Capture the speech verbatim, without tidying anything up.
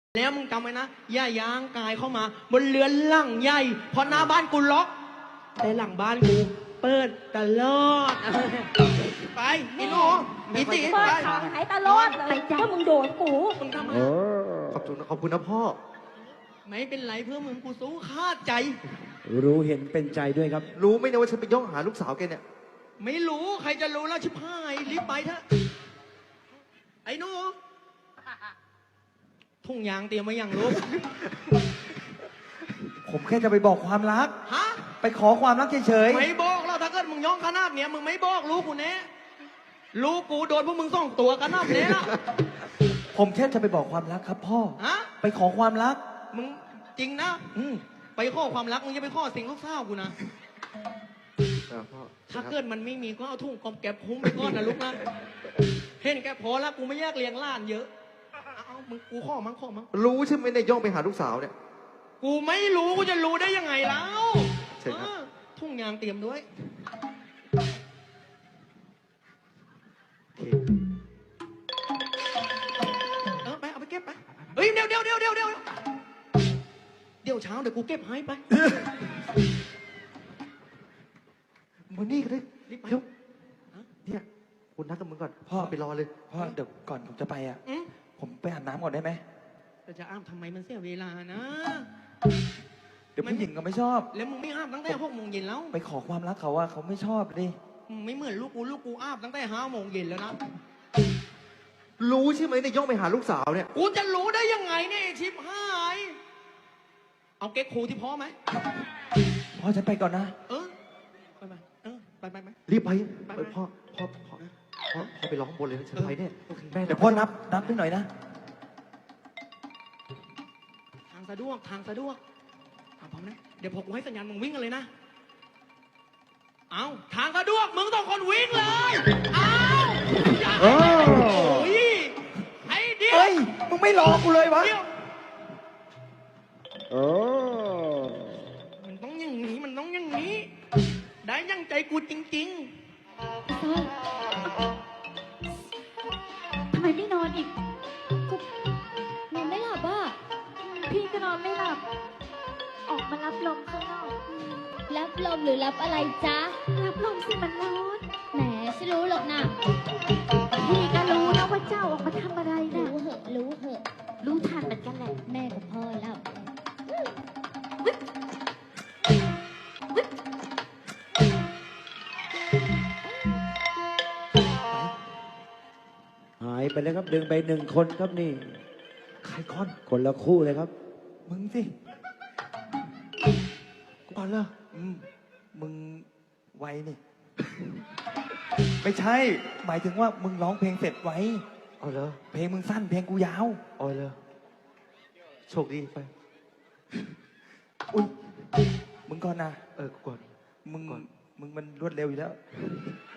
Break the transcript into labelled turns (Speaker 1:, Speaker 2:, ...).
Speaker 1: แล้วมึงจำไว้นะอย่ายางกายเข้ามาบนเรือนหลังใหญ่เพราะหน้าบ้านกูล็อกแต่หลังบ้านกูเปิดตลอดไปอีหนูอีตี
Speaker 2: เปิ
Speaker 1: ไป
Speaker 2: ดทางหายตลอดเลยถ้ามึงโดนกู
Speaker 1: มึงทำไม
Speaker 3: ขอบคุณขอบคุณนะพ่อ
Speaker 1: ไม่เป็นไรเพื่อมึงกูสู้คาดใจ
Speaker 4: รู้เห็นเป็นใจด้วยครับ
Speaker 3: รู้ไหมเนี่ยว่าฉันไปย่องหาลูกสาวแกเนี่ย
Speaker 1: ไม่รู้ใครจะรู้แล้วชิบหายรีบไปเถอะไอ้หนูทุ่งยางเตรียมไว้ยังลูก
Speaker 4: ผมแค่จะไปบอกความรัก
Speaker 1: ฮะ
Speaker 4: ไปขอความรักเฉย
Speaker 1: ไม่บอกเราถ้าเกิดมึงย่องขนาดเนี้ยมึงไม่บอกลูกกูแน่ลูกกูโดนพวกมึงส่องตัวกันนับเนี้ยละ
Speaker 4: ๆผมแค่จะไปบอกความรักครับพ่อ
Speaker 1: ฮะ
Speaker 4: ไปขอความรัก
Speaker 1: มึงจริงนะ
Speaker 4: อืม
Speaker 1: ไปข้อความรักมึงจะไปข้อสิ่งลูกสาวกูนะ
Speaker 3: เออพ่อ
Speaker 1: ถ้าเกิดมันไม่มีก็เอาทุ่งกอมแก็บคุ้มไปก่อนนะลูกนะเห็นแกพอแล้วกูไม่แยกเลี้ยงหล้านเยอะเอาเอามึงกูข้อมั้งข้อมั้ง
Speaker 3: รู้ใช่ไหมเนี่ยย่องไปหาลูกสาวเนี่ย
Speaker 1: กูไม่รู้กูจะรู้ได้ยังไงแล้ว
Speaker 3: เชิญครับ
Speaker 1: เออทุ่งยางเตรียมด้วย
Speaker 3: โอเค
Speaker 1: เออไปเอาไปเก็บไปเฮ้ยเดี๋ยวเดี๋ยวเดี๋ยวเดี๋ยวเดี๋ยวเดี๋ยวเช้าเดี๋ยวกูเก็บให้ไป
Speaker 3: มานี่ก็ได้
Speaker 1: รีบไป
Speaker 3: เดี๋ยวเนี่ยคุณนัดกับมึงก่อน
Speaker 4: พ่อ
Speaker 3: ไปรอเลย
Speaker 4: พ่อเดี๋ยวก่อนผมจะไปอ่ะ
Speaker 1: อืม
Speaker 4: ผมไปอาบน้ำก่อนได้ไหม
Speaker 1: แต่จะอาบทำไมมันเสียเวลานะ
Speaker 4: เดี๋ยวผู้หญิงก็ไม่ชอบ
Speaker 1: แล้วมึงไม่อาบตั้งแต่หกโมงเย็นแล้ว
Speaker 4: ไปขอความรักเขาว่าเขาไม่ชอบดิ
Speaker 1: มึงไม่เหมือนลูกกูลูกกูอาบตั้งแต่ห้าโมงเย็นแล้วนะ
Speaker 3: รู้ใช่ไหมเนี่ยย่องไปหาลูกสาวเนี่ย
Speaker 1: กูจะรู้ได้ยังไงเนี่ยไอ้ชิปหาย เอาเก๊กครูที่พ่อไหม
Speaker 4: พ่อฉันไปก่อนนะ
Speaker 1: เออ ไปไปเออ ไปไปไป
Speaker 3: รีบไป
Speaker 1: ไป
Speaker 3: เออพ่อพ่อพ่อพ่อพ่อไปร้องบนเลยนะฉันไปเนี่ย
Speaker 1: โอเค
Speaker 3: แม่
Speaker 4: เดี๋ยวพ่อนับนับให้หน่อยนะ
Speaker 1: ทางสะดวกทางสะดวกเอาพร้อมนะ เดี๋ยวพอกูให้สัญญาณมึงวิ่งกันเลยนะ เอาทางสะดวกมึงต้องคนวิ่งเลย เอาอย่าให้โอ้ยไอ้เดียว
Speaker 4: เฮ้ย มึงไม่รอกูเลยวะ
Speaker 1: เดี๋ยวมันต้องอย่างนี้ มันต้องอย่างนี้ ได้ยังใจกูจริง
Speaker 2: ทำไมไม่นอนอีกกูนอนไม่หลับอ่ะพี่ก็นอนไม่หลับ ออกมารับลมข้างนอก
Speaker 5: รับลมหรือรับอะไรจ๊ะ
Speaker 2: รับลมสิมันร้อน
Speaker 5: แหมฉันรู้หรอกนะ
Speaker 2: พี่ก็รู้นะว่าเจ้าออกมาทำอะไรนะ
Speaker 5: รู้เหอะ รู้เหอะ
Speaker 2: รู้ทันเหมือนกันแหละ
Speaker 5: แม่กับพ่อแล้ว
Speaker 4: หายไปแล้วครับดึงไปหนึ่งคนครับนี่
Speaker 3: ใครก่อน
Speaker 4: คนละคู่เลยครับ
Speaker 3: มึงสิก่อนเลย
Speaker 4: อืมมึงไวนี่ ไม่ใช่ หมายถึงว่ามึงร้องเพลงเสร็จไว
Speaker 3: เอาเลย
Speaker 4: เพลงมึงสั้นเพลงกูยาว
Speaker 3: เอาเลยโชคดีไป อุ้ย
Speaker 4: มึงก่อนนะ
Speaker 3: เออกูก่อน
Speaker 4: มึง
Speaker 3: ก่อน
Speaker 4: มึงมันรวดเร็วอยู่แล้ว
Speaker 3: เ